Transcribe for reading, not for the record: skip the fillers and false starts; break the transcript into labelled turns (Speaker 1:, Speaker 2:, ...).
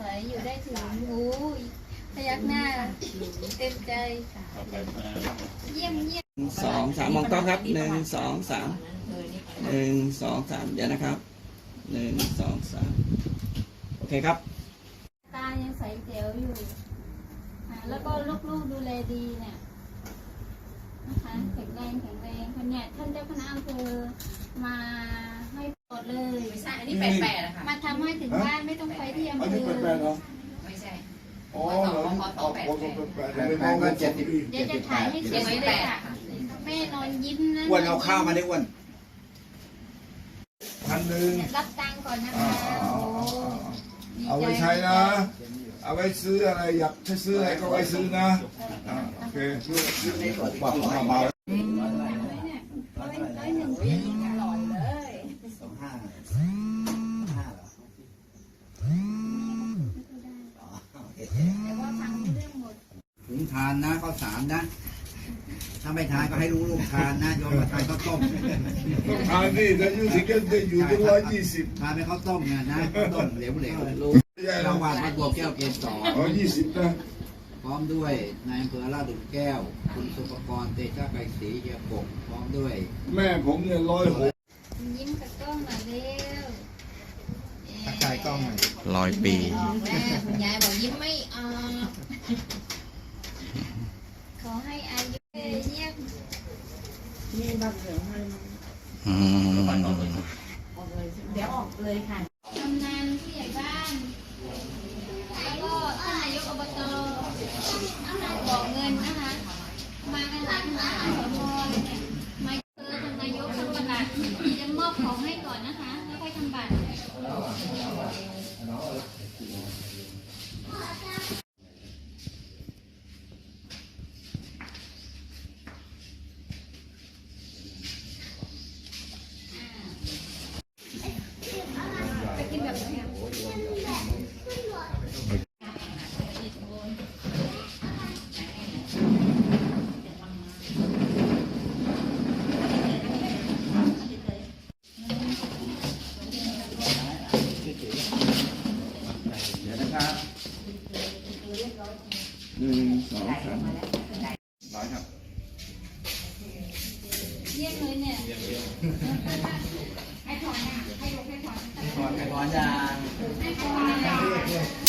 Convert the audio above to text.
Speaker 1: ศัยอยู่ได้ถึงพยักหน้าเต็มใจเยี่ยมเยี่ยม
Speaker 2: 2 3มองกล้องครับ1 2 3 1 2 3เดี๋ยวนะครับ1 2 3โอเคครับ
Speaker 1: ตายังใสแจ๋วอยู่แล้วก็ลูกๆดูแลดีเนี่ยนะคะแข็งแรงคนเนี่ยท่านเจ้าคณะอำเภอมาให้ปลดเลย
Speaker 3: อันนี้88นะคะ
Speaker 1: มาทำให้ถึงบ้านไม่ต้องไปที่อำเภอ
Speaker 3: ไม่ใช่
Speaker 4: อ๋อเหรอ88
Speaker 1: เดี๋ยวจะถ่ายให้สวยเลยค่ะแม่นอนยิ้มนะ
Speaker 5: อ้วนเอาข้าวมาได้อ้วน
Speaker 4: 1,000
Speaker 1: รับตังค์ก่อนนะคะโอ้
Speaker 4: เอาไว้ใช้นะเอาไว้ซื้ออะไรอยากจะซื้ออะไรก็ไว้ซื้อนะโอเคบอกเบา
Speaker 5: ถุงทานนะข้าวสารนะถ้าไม่ทานก็ให้ลูกทานนะโยมมาทานข้าวต้ม
Speaker 4: ต้องทานนี่จะอยู่ถึงจะอยู่ถึง120
Speaker 5: ทานเป็นข้าวต้มไงนะข้าวต้มเหลวรางวัลพระบัวแก้วเกณฑ์
Speaker 4: 20นะ
Speaker 5: พร้อมด้วยนายอำเภอลาดหลุมแก้วคุณสุภกรเตชะไกรศรีเยียบกพร้อมด้วย
Speaker 4: แม่ผมเนี่ย106
Speaker 1: ยิ้มกับกล้องหน่อยเร็ว
Speaker 5: ถ่ายกล้อง
Speaker 2: 100 ปี
Speaker 3: แม่คุณยายบอกยิ้มไม่ออก
Speaker 1: ขอให้อายุเยี่ยม
Speaker 3: นี่บัตรเหลืองให้เดี๋ยวออกเลยค่ะ
Speaker 1: กำนันผู้ใหญ่บ้านแล้วก็ท่านนายกอบตบอกเงินนะคะมากันหลายคณะสมเนี่ยมาท่านนายกท่านประหลัดจะมอบของให้ก่อนนะคะแล้วค่อยทำบัตร
Speaker 5: เดี๋ยวนะครับ
Speaker 2: 1 2 3
Speaker 5: ร้อยครับ
Speaker 1: เยี่ยมเลยเนี่ยให้ถอนนะให้ยกให้ถอน
Speaker 5: ถอนยาง
Speaker 1: ให้ถอน